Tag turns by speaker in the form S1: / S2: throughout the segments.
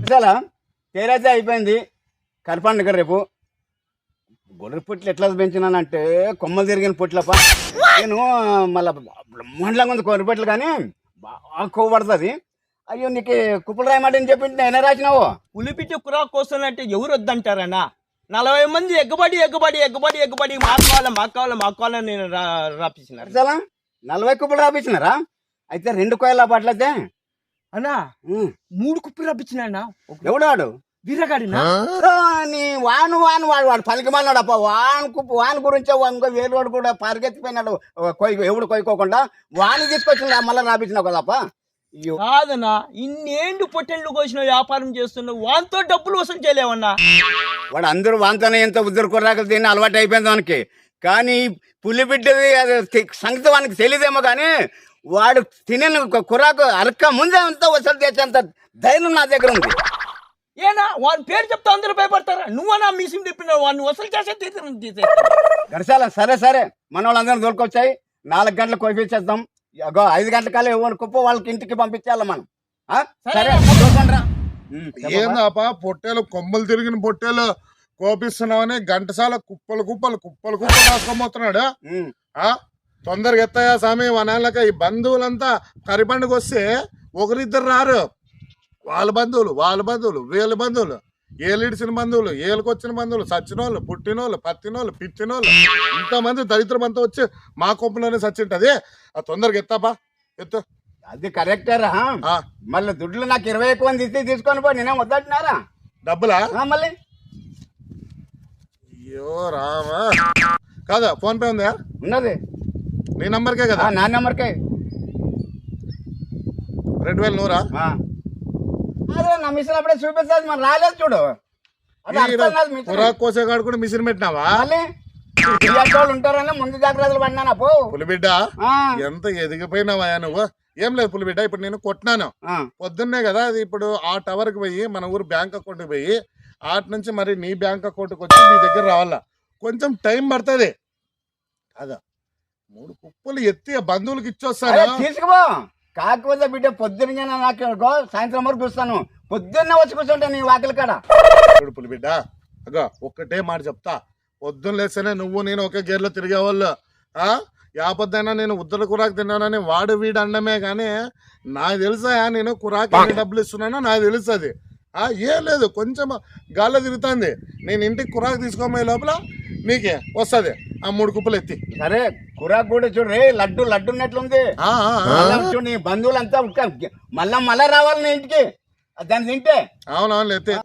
S1: చాలా తేరైతే అయిపోయింది. కరపండుగ రేపు గొర్రె పుట్లు ఎట్లా పెంచినానంటే కొమ్మలు తిరిగిన పుట్లప్ప. నేను మళ్ళీ బ్రహ్మాండంగా ఉంది గొర్రె పుట్లు, కానీ బాగా కొవ్వబడుతుంది. అయ్యో నీకు కుప్పలు రాయమాటని చెప్పి నేనే రాసినావు.
S2: పులిపిచ్చి కురాకు వస్తానంటే ఎవరు వద్దంటారన్నా? 40 మంది ఎగ్గబడి మాకు కావాలని నేను రాపించినారు.
S1: చాలా 40 కుప్పలు రాపించినారా? అయితే 2 కోయల పట్లయితే
S2: అన్నా 3 కుప్పలు రాపించినా.
S1: ఎవడు వాడు?
S2: వీరగాడినా?
S1: వాను వాను వాడు వాడు పలికిమన్నాడు అప్ప. వాని గురించే ఇంకో వేరు వాడు కూడా పరిగెత్తిపోయినాడు. ఎవడు కొయ్యకోకుండా వాని తీసుకొచ్చింది మళ్ళీ రాపించినావు కదప్ప.
S2: కాదన్నా, ఇన్నేండు పొట్టెళ్ళు కోసిన వ్యాపారం చేస్తున్నావు, వాంతో డబ్బులు వసూలు చేయలేవన్నా.
S1: వాడు అందరూ వాంతోనే ఎంత ఉద్దరు కుర్రాకలు తిని అలవాటు అయిపోయింది వానికి. కానీ పులి బిడ్డది అది సంగతి వానికి తెలియదేమో, కానీ వాడు తినే కుర్రాకు అరక్క ముందే అంతా వసూలు చేసేంత ధైర్యం నా దగ్గర ఉంది.
S2: ఏనా వాని పేరు చెప్తే అందరూ భయపడతారా? నువ్వన్నా మిషన్ తిప్పినావు, వాడిని వసూలు చేసే తీసే
S1: గడిచాల. సరే సరే, మన వాళ్ళందరూ దొరికొచ్చాయి. 4 గంటలకు కోపించేద్దాం. 5 గంటల కాలే ఎవరు కుప్ప వాళ్ళకి ఇంటికి పంపించాలి మనం. సరే
S3: ఏందాపా పొట్టేలు కొమ్మలు తిరిగిన పొట్టేలు కోపిస్తున్నావని గంటసాల కుప్పలు రాసుకోబోతున్నాడు. తొందరగా ఎత్తాయా స్వామి వనాలక. ఈ బంధువులంతా కరిపండుగ వస్తే ఒకరిద్దరు రారు. వాళ్ళ బంధువులు వీళ్ళ బంధువులు, ఏలిడిచిన బంధువులు, ఏలుకొచ్చిన బంధువులు, సచ్చినోళ్ళు, పుట్టినోళ్ళు, పత్తినోళ్ళు, పిచ్చినోళ్ళు, ఇంతమంది దరిద్రం అంతా వచ్చి మా కొంపలోనే సచ్చింటది. తొందరగా ఎత్తాపా, ఎత్తు.
S1: అది కరెక్టరా. మళ్ళీ దుడ్లు నాకు 20 ఎక్కువ తీసుకొని పో. నేనేం వద్దంటున్నారా?
S3: డబ్బులా?
S1: మళ్ళీ
S3: అయ్యో రామా. కాదా ఫోన్ పే ఉందా?
S1: ఉన్నది.
S3: నీ నంబర్కే కదా?
S1: నా నెంబర్కే.
S3: 2000 నూరా?
S1: అదే నా మిషన్ అప్పుడే చూపిస్తుంది, మరి రాలేదు చూడు.
S3: కురాకు కోసేగాడు కూడా మిషన్ పెట్టినావా?
S1: ఉంటారని ముందు జాగ్రత్తలు పడినా.
S3: పులిబిడ్డ ఎంత ఎదిగిపోయినావా నువ్వు? ఏం లేదు పులిబిడ్డ, ఇప్పుడు నేను కొట్టినాను పొద్దున్నే కదా. అది ఇప్పుడు ఆ టవర్ కి పోయి మన ఊరు బ్యాంక్ అకౌంట్ కి పోయి ఆటి నుంచి మరి నీ బ్యాంక్ అకౌంట్ కి వచ్చి నీ దగ్గర రావాలా. కొంచెం టైం పడుతుంది కదా. 3 కుప్పలు ఎత్తి బంధువులకి ఇచ్చొస్తాను.
S1: తీసుకుపో. కాకపోతే బిడ్డ పొద్దున్న నాకు సాయంత్రం వరకు చూస్తాను. పొద్దున్నే వచ్చి కూర్చుంటా నీ వాకిలి కాడ.
S3: చూడు పులిబిడ్డ, అగో ఒక్కటే మాట చెప్తా. పొద్దున్న లేస్తేనే నువ్వు నేను ఒకే గేర్లో తిరిగేవాళ్ళు. యాపద్దైనా నేను ఉద్దర కురాకు తిన్నానని వాడు వీడు అండమే, కానీ నాకు తెలుసా నేను కురాకు ఎన్ని డబ్బులు ఇస్తున్నానో నాకు తెలుస్తుంది. ఏం లేదు, కొంచెం గాల్లో తిరుగుతుంది. నేను ఇంటికి కురాకు తీసుకోబోయే లోపల నీకే వస్తుంది ఆ 3 కుప్పలు ఎత్తి.
S1: సరే కురాకు కూడా చూడు రే, లడ్డు ఉన్నట్లుంది. చూడు నీ బంధువులంతా మళ్ళా రావాలి నీ ఇంటికి దాన్ని తింటే.
S3: అవునవును ఎత్తి.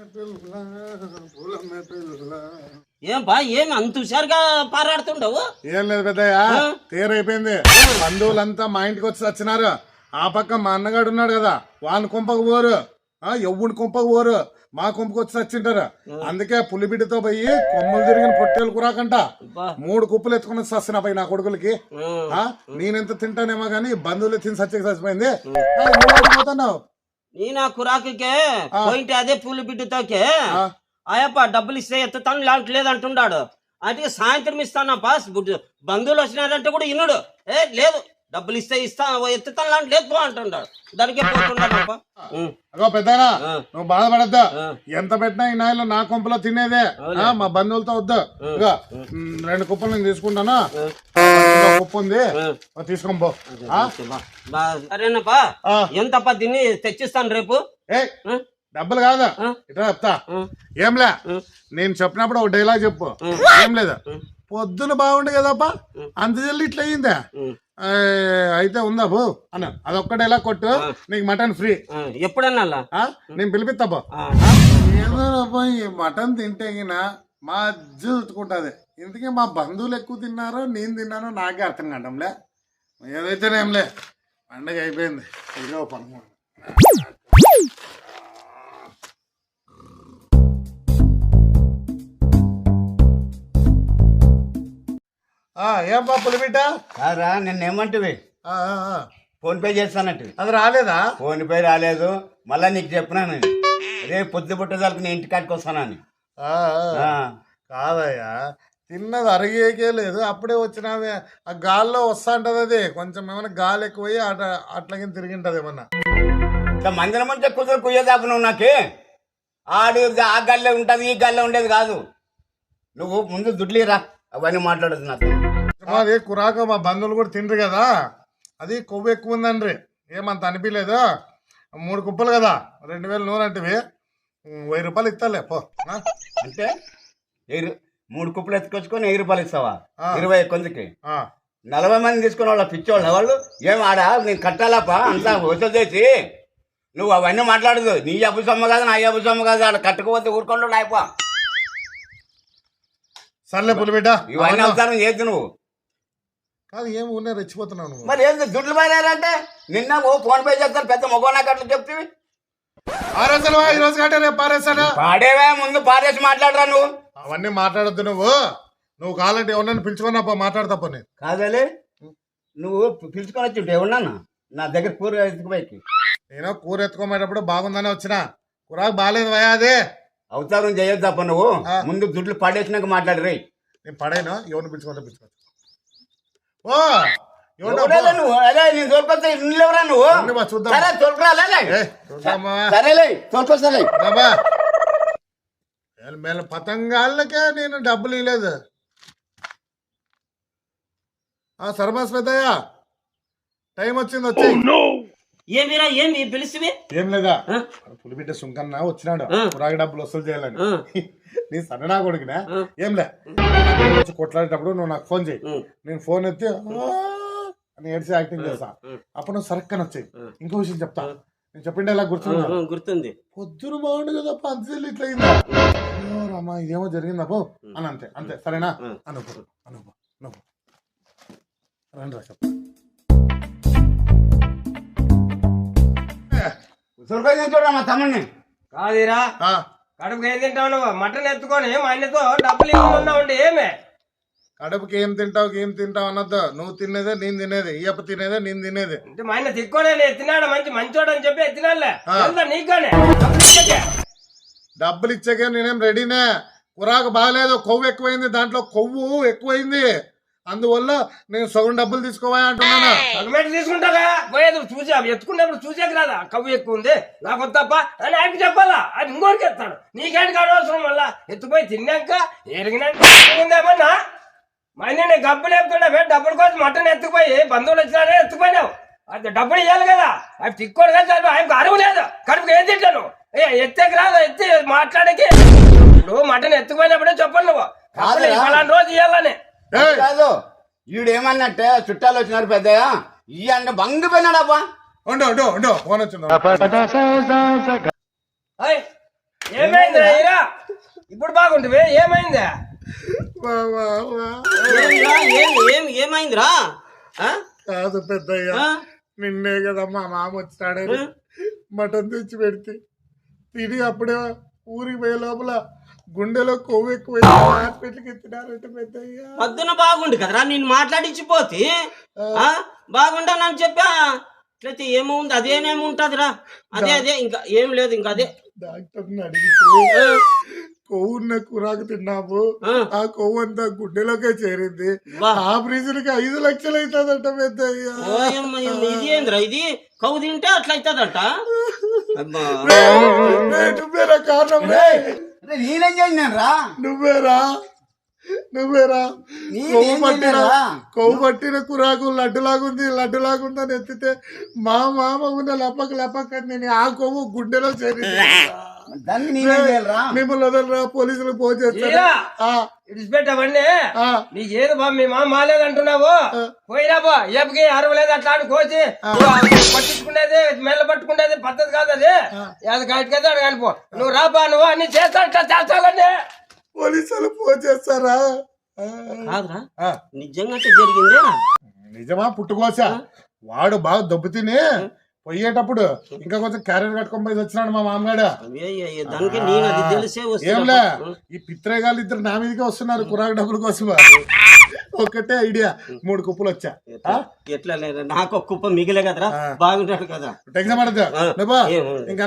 S2: ఏం అంత హుషారుగా పారాడుతుండవు?
S3: ఏం లేదు పెద్దయ్య, తీరైపోయింది. బంధువులంతా మా ఇంటికి వచ్చి వచ్చినారు. ఆ పక్క మా అన్నగాడు ఉన్నాడు కదా, వాని కుంపకు పోరు, ఎవ్వుడి కుంపకు పోరు, మా కుంపకు వచ్చి వచ్చింటారు. అందుకే పులిబిడ్డతో పోయి కొమ్మలు తిరిగిన పొట్టేలు కురాకంట 3 కుప్పలు ఎత్తుకుని వస్తున్నా పోయి నా కొడుకులకి. నేనెంత తింటానేమో గానీ బంధువులు తిని చచ్చిపోయింది. పోతున్నావు
S2: నీ నా కురాకుకే పోయింటే అదే పులిబిడ్డతోకే అయ్యప్ప డబ్బులు ఇస్తే ఎత్తుతాను లాంటి లేదంటున్నాడు. అంటే సాయంత్రం ఇస్తానప్ప. బంధువులు వచ్చినారంటే కూడా ఇన్నుడు లేదు, డబ్బులు ఇస్తే ఎత్తుతాను లాంటి లేదు పో అంటున్నాడు. దానికే పోతున్నాడప్ప.
S3: అగో పెద్దనా, నువ్వు బాధపడద్దా. ఎంత పెట్టినా ఈ నాయలో నా కొంపలో తినేదే. మా బంధువులతో వద్దు. 2 కుప్పలు నేను తీసుకుంటాను. కుప్ప ఉంది, తీసుకొని పో.
S2: సరేనప్పా, ఎంతప్ప తిని తెచ్చిస్తాను రేపు.
S3: డబ్బులు కాదా, ఇట్లా చెప్తా. ఏంలే, నేను చెప్పినప్పుడు ఒక డైలాగ్ చెప్పు. ఏం లేదా, పొద్దున బాగుండే కదప్ప, అంత జల్లి ఇట్లా అయ్యిందా? అయితే ఉందా బో అన్న, అదొక్క డైలాగ్ కొట్టు, నీకు మటన్ ఫ్రీ.
S2: ఎప్పుడన్నా
S3: నేను పిలిపిస్తాబో. ఏదోనబ్బా, ఈ మటన్ తింటే గిన మా అజ్జు చుట్టుకుంటుంది. ఇందుకే మా బంధువులు ఎక్కువ తిన్నారో నేను తిన్నానో నాకే అర్థం కావడంలే. ఏదైతేనేంలే, పండగ అయిపోయింది. ఇదిగో పనుకో. ఏం బా పులిబిడ్డ?
S1: కాదా నిన్నేమంటివి? ఫోన్ పే చేస్తానంటే
S3: అది రాలేదా?
S1: ఫోన్ పే రాలేదు. మళ్ళా నీకు చెప్పినాను, రేపు పొద్దు పుట్టేదానికి నేను ఇంటికాడికి వస్తానని.
S3: కాదయ్యా, తిన్నది అరిగేకే లేదు, అప్పుడే వచ్చినది. ఆ గాల్లో వస్తా ఉంటది. అది కొంచెం ఏమైనా గాలి ఎక్కువయ్యి అట్లాగే తిరిగింటది ఏమన్నా.
S1: ఇట్లా మందిరం ముంచే కుదురు కుయ్యేదాకా నువ్వు నాకే ఆడు ఆ గల్లే ఉంటుంది ఈ గల్లే ఉండేది కాదు. నువ్వు ముందు దుడ్లీరా అవన్నీ మాట్లాడదు నాతో.
S3: మాది కురాక మా బంధువులు కూడా తిండ్రు కదా, అది కొవ్వు ఎక్కువ ఉందండ్రి, ఏమంత అనిపించలేదు. 3 కుప్పలు కదా 2000 నూనె అంటే 1000 రూపాయలు ఇస్తాలే పో.
S1: అంటే 3 కుప్పలు ఎత్తుకొచ్చుకొని 1000 రూపాయలు ఇస్తావా? 20 కొందికి 40 మంది తీసుకున్న వాళ్ళ పిచ్చోళ్ళ వాళ్ళు ఏం ఆడా నేను కట్టాలాపా అంతా వసూలు చేసి నువ్వు అవన్నీ మాట్లాడదు. నీ అబ్బు సొమ్మ కాదు నా అబ్బు సొమ్మ కాదు, ఆడ కట్టుకోవద్దు ఊరుకోండు అయిపో.
S3: సర్లే పులిబిడ్డ
S1: ఇవన్నీ అవసరం చేద్దు నువ్వు.
S3: కాదు ఏం ఉన్నా రెచ్చిపోతున్నావు నువ్వు.
S1: మరి ఏంది దుడ్లు మారారంటే నిన్న ఫోన్ పే చేస్తాను పెద్ద మొగోనా కట్లు చెప్తివి.
S3: పారేసాను ఈ రోజు కంటే రేపు పారేసాను.
S1: పాడేవే ముందు పారేసి మాట్లాడరా నువ్వు.
S3: అవన్నీ మాట్లాడద్దు నువ్వు కావాలంటే ఎవరన్నా పిలుచుకున్నా మాట్లాడతా పో. నేను
S1: కాదలే నువ్వు పిలుచుకొని వచ్చి ఉంటే ఉన్నాను నా దగ్గర కూర ఎత్తుకుపోయి.
S3: నేను కూర ఎత్తుకోమేటప్పుడు బాగుందని వచ్చిన, కూరకు బాగాలేదు భయ అదే.
S1: అవతారం చేయొద్దు తప్ప నువ్వు ముందు దుడ్లు పడేసినాక మాట్లాడరే.
S3: నేను పడేను ఎవరిని పిలుచుకోవచ్చు. ఓ
S1: నువ్వు అదే నేను తోలుకొస్తా ఎవరా నువ్వు
S3: చూద్దాం.
S1: సరే తోలుకురా సరేలే తోలుకొస్తాలే.
S3: మేల పతంగాళ్ళకే నేను డబ్బులు ఇవ్వలేదు. సర్మాస్ పెద్దయ్య టైం వచ్చింది వచ్చి.
S2: ఏమిరా ఏమి పిలిచివి?
S3: ఏం లేదా పులిబిడ్డ సుంకన్న వచ్చినాడు పురాగి డబ్బులు వసూలు చేయాలని. నీ సన్ననా కొడుకునా ఏంలే వచ్చి కొట్లాడేటప్పుడు నువ్వు నాకు ఫోన్ చేయి, నేను ఫోన్ ఎత్తి అని ఏడ్చి యాక్టింగ్ చేస్తా. అప్పుడు నువ్వు సరక్కని వచ్చాయి. ఇంకో విషయం చెప్తా, నేను చెప్పిండే ఇలా
S2: గుర్తుంది.
S3: పొద్దున బాగుండు కదా పంచలు ఇట్లా అయిందా అమ్మా ఇదేమో జరిగిందా పో అని అంతే అంతే సరేనా అనుకో రండి రా చెప్తా.
S1: చూడరా మా తమ్ముడిని.
S2: కాదురా కడుపుకి ఏం తింటావు నువ్వు? మటన్ ఎత్తుకొని మా ఆయనతో డబ్బులు ఇవ్వకుండా ఉండి ఏమే
S3: కడుపుకి ఏం తింటావు అన్నద్దు. నువ్వు తినేదే నేను తినేది, ఇయ్యప్ప తినేదే నేను తినేది.
S2: అంటే మా ఆయన తిక్కోనే ఎత్తినాడు మంచోడు అని చెప్పి ఎత్తినాడులే నీకుగానే
S3: డబ్బులు ఇచ్చాకే నేనేం రెడీనే. కురాకు బాగాలేదు, కొవ్వు ఎక్కువైంది, దాంట్లో కొవ్వు ఎక్కువైంది, అందువల్ల నేను సగం డబ్బులు తీసుకోవా అంటున్నాను.
S2: సగమేట తీసుకుంటారా? పోయేది చూసా ఎత్తుకున్నప్పుడు చూసాక రాదా కవ్వు ఎక్కువ ఉంది నాకు వద్దప్ప అని ఆయనకి చెప్పాలా? అది ఇంకోటికి ఎత్తాడు, నీకేంటి కానవసరం వల్ల ఎత్తుపోయి తిన్నాక ఎరిగినాకేమన్నా మా ఆయన గబ్బులు ఎత్తున్నా డబ్బుల కోసం మటన్ ఎత్తుకుపోయి బంధువులు వచ్చినారే ఎత్తుకుపోయినావు. అది డబ్బులు ఇవ్వాలి కదా, అవి తిక్కోడు కదా, ఆయనకు అరువు లేదు. కడుపుకి ఏం తింటాను ఎత్తేకి రాదు, ఎత్తి మాట్లాడకి. ఇప్పుడు మటన్ ఎత్తుకుపోయినప్పుడే చెప్పండి నువ్వు ఫలానా రోజు ఇవ్వాలని
S1: కాదు. ఈడు ఏమన్నట్టే చుట్టాలు వచ్చినారు పెద్దగా ఈ అంటే బంగు పోయినాడబ్బా.
S3: ఫోన్ వచ్చింది.
S2: ఏమైందిరా ఈరా? ఇప్పుడు బాగుంటుంది ఏమైందా? ఏమైందిరా?
S3: కాదు పెద్దయ్య, నిన్నే కదా మా మామ వచ్చినాడని మటన్ తెచ్చి పెడితే తిని అప్పుడే ఊరికి పోయే లోపల గుండెలో కొవ్వు ఎక్కువ హాస్పిటల్కి ఎత్తినారంటే పెద్దయ్య.
S2: పొద్దున బాగుండు కదరా నేను మాట్లాడించిపోతే బాగుంటానని చెప్పా. అట్లయితే ఏముంది అదేనేముంటదిరా? అదే ఇంకా ఏం లేదు. ఇంకా అదే
S3: డాక్టర్ని అడిగితే కొవ్వున్న కూరాకు తిన్నాము, ఆ కొవ్వు అంతా గుండెలోకే చేరింది, ఆపరేషన్ కి 5 లక్షలు అవుతుందంట పెద్దయ్య.
S2: ఇది ఏంద్రా ఇది? కొవ్వు తింటే అట్లా అవుతుందంట.
S3: నువ్వేరా కారణం?
S1: నేనేం చేసినాను రా?
S3: నువ్వేరా కొవ్వు పట్టిన కూరాకు లడ్డులాగుందని ఎత్తితే మా మామ ఉన్న లపక్ నేను ఆ కొవ్వు గుండెలో చేరింది. మిమ్మల్ని వదలరా, పోలీసులు ఫోన్ చేస్తారా?
S2: ఇడిచిపెట్టవన్నీ నీకేది బా మీ మామ మాలేదంటున్నావు. పోయిరా బా ఏపకి అరవలేదు అట్లా ఆడు కోసి పట్టించుకునేది మెల్ల పట్టుకునేది పద్ధతి కాదు. అది అది కట్టుకైతే అడు కానిపో. నువ్వు రాబా, నువ్వు అన్ని చేస్తానండి.
S3: పోలీసులు ఫోన్ చేస్తారా?
S2: కాదురా నిజంగా జరిగిందే.
S3: నిజమా పుట్టుకోసా? వాడు బాగా దెబ్బ తిని పోయేటప్పుడు ఇంకా కొంచెం క్యారియర్ కట్టుకొని పోయి వచ్చినాడు మా మామగాడు. ఏంలే ఈ పిత్రేగాళ్ళు ఇద్దరు నా మీదకే వస్తున్నారు కురాకు డబ్బుల కోసం. ఒకటే ఐడియా 3 కుప్పలు వచ్చా.
S2: ఎట్లా లేదా నాకు ఒక కుప్ప మిగిలే కదరా, బాగుంటాడు కదా.
S3: టెన్షన్ పడద్దు ఇంకా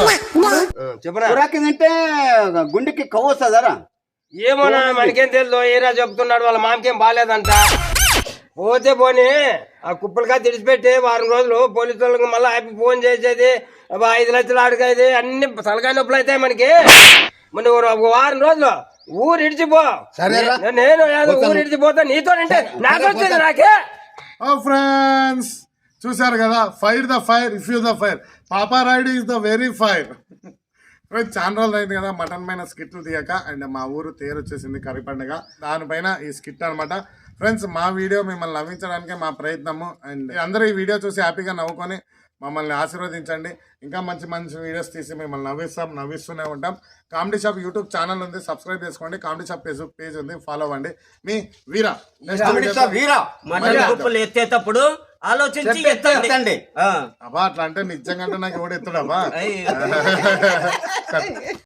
S1: తింటే గుండెకి కొవ్వు వస్తుందరా?
S2: ఏమో మనకేం తెలుసు. ఏరా చెప్తున్నాడు వాళ్ళ మామకేం బాగాలేదంట.
S4: పోతే పోనీ ఆ కుప్పలుగా తెడిచిపెట్టి వారం రోజులు పోలీసు వాళ్ళకి మళ్ళీ ఆపి ఫోన్ చేసేది 5 లక్షలు అడిగేది అన్ని తలకాయ నొప్పులు అవుతాయి మనకి. మన ఒక వారం రోజులు ఊరు ఇడిచిపో.
S1: సరేరా.
S4: నేను ఏదో ఊరు ఇడిచిపోతా నీతో అంటే నాకు వచ్చేది నాకే.
S3: ఫ్రెండ్స్ చూసారు కదా, fire the fire if you the fire, పాపా ride is the very fire. Friends చాలా రోజులు అయింది కదా మటన్ పైన స్కిట్లు తీయక. అండ్ మా ఊరు తేరు వచ్చేసింది కర్రీ పండుగ, దానిపైన ఈ స్కిట్ అనమాట. ఫ్రెండ్స్ మా వీడియో మిమ్మల్ని నవ్వించడానికే మా ప్రయత్నము. అండ్ అందరూ ఈ వీడియో చూసి హ్యాపీగా నవ్వుకొని మమ్మల్ని ఆశీర్వదించండి. ఇంకా మంచి మంచి వీడియోస్ తీసి మిమ్మల్ని నవ్విస్తూనే ఉంటాం. కామెడీ షాప్ యూట్యూబ్ ఛానల్ ఉంది, సబ్స్క్రైబ్ చేసుకోండి. కామెడీ షాప్ ఫేస్బుక్ పేజ్ ఉంది, ఫాలో అవ్వండి. మీ వీరా
S1: వీరా
S2: మటన్ కుప్పలు ఎత్తేటప్పుడు ఆలోచించి ఎత్తండి.
S3: అబ్బా అట్లా అంటే నిజంగా నాకు ఎవడు ఎత్తాడబ్బా.
S2: అయ్యో.